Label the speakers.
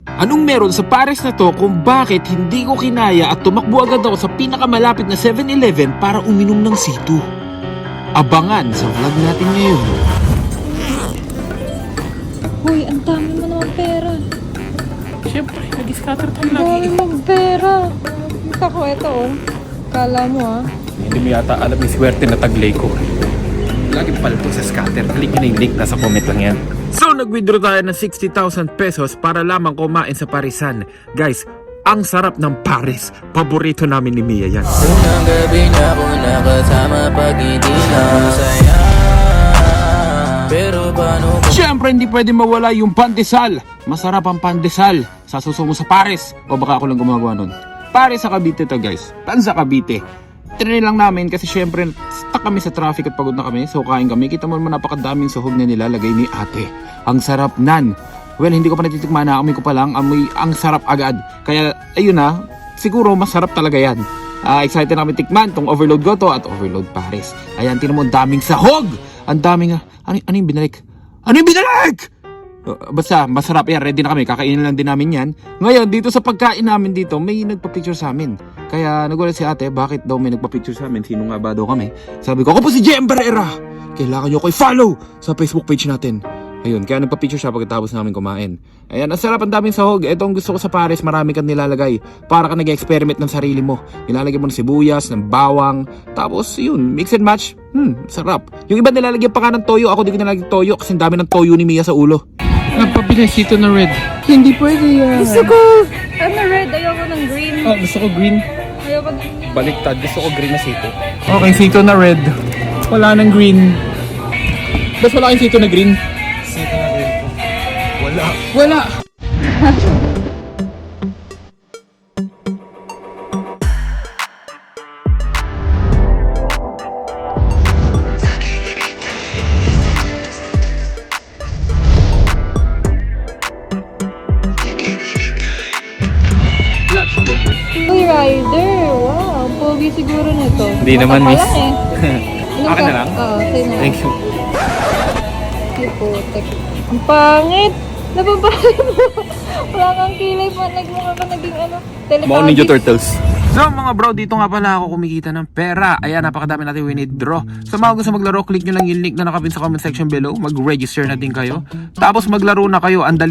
Speaker 1: Anong meron sa Paris na to kung bakit hindi ko kinaya at tumakbo agad ako sa pinakamalapit na 7-Eleven para uminom ng C2? Abangan sa vlog natin ngayon.
Speaker 2: Hoy, ang dami mo naman pera.
Speaker 3: Siyempre, nag-scatter tayo
Speaker 2: Ang dami
Speaker 3: lagi.
Speaker 2: mong pera. Ako, ito oh. Kala mo ah.
Speaker 3: Hindi mo yata alam yung swerte na taglay ko. Lagi palto sa scatter. Click nyo na yung link, nasa comment lang yan.
Speaker 1: So nag-withdraw tayo ng 60,000 pesos para lamang kumain sa Parisan. Guys, ang sarap ng Paris. Paborito namin ni Mia yan.
Speaker 4: Unang gabi niya ako nakasama pag hindi na masaya. Pero paano kung
Speaker 1: Siyempre hindi pwede mawala yung pandesal. Masarap ang pandesal. Sasusungo sa Paris. O baka ako lang gumagawa nun. Paris sa Cavite to guys. Tan sa Cavite. Tinry lang namin kasi syempre stuck kami sa traffic at pagod na kami. So kain kami. Kita mo naman napakadaming sahog na nilalagay ni ate. Ang sarap nan. Well, hindi ko pa natitikman na. Amoy ko pa lang. Amoy ang sarap agad. Kaya ayun na. Siguro masarap talaga yan. Excited na kami tikman tong overload goto at overload Paris. Ayan, tinan mo ang daming sahog. Ang daming ano yung binalik? Ano yung binalik? Basta masarap yan, ready na kami, kakainin lang din namin yan. Ngayon dito sa pagkain namin dito, may nagpa-picture sa amin. Kaya nagulat si ate, bakit daw may nagpa-picture sa amin? Sino nga ba daw kami? Sabi ko, ako po si JM Barrera. Kailangan nyo ko i-follow sa Facebook page natin. Ayun, kaya nagpa-picture siya pagkatapos namin kumain. Ayan, ang sarap, ang daming sahog. Ito ang gusto ko sa Paris, marami kang nilalagay. Para ka nag-experiment ng sarili mo. Nilalagay mo ng sibuyas, ng bawang. Tapos yun, mix and match. Sarap. Yung iba nilalagyan pa ka ng toyo. Ako di ko nilalagyan toyo kasi ang dami ng toyo ni Mia sa ulo.
Speaker 3: Nagpabili sito na red.
Speaker 1: Hindi pwede yan.
Speaker 2: Gusto ko! Ano red? Ayoko ng green.
Speaker 3: Oh, gusto ko green.
Speaker 2: Ayoko ng green.
Speaker 3: Baliktad, gusto ko green na sito. Okay, sito na red. Wala nang green. Basta wala kayong sito na green. Sito na green po. Wala. Wala!
Speaker 2: Uy, rider! Wow, ang pogi siguro nito.
Speaker 3: Hindi naman,
Speaker 2: Baka
Speaker 3: miss.
Speaker 2: pa lang eh.
Speaker 3: Akin na lang?
Speaker 2: Oo, sa'yo na.
Speaker 3: Thank you.
Speaker 2: Ay, putek. Ang pangit! Nababahay mo! Wala kang kilay pa. Nagmukha ka naging ano,
Speaker 3: Mga
Speaker 2: Teletubbies.
Speaker 3: Ninja Turtles.
Speaker 1: So mga bro, dito nga pala ako kumikita ng pera. Ayan, napakadami natin withdraw. Sa mga gusto maglaro, click nyo lang yung link na nakapin sa comment section below. Mag-register na din kayo. Tapos maglaro na kayo. Ang dali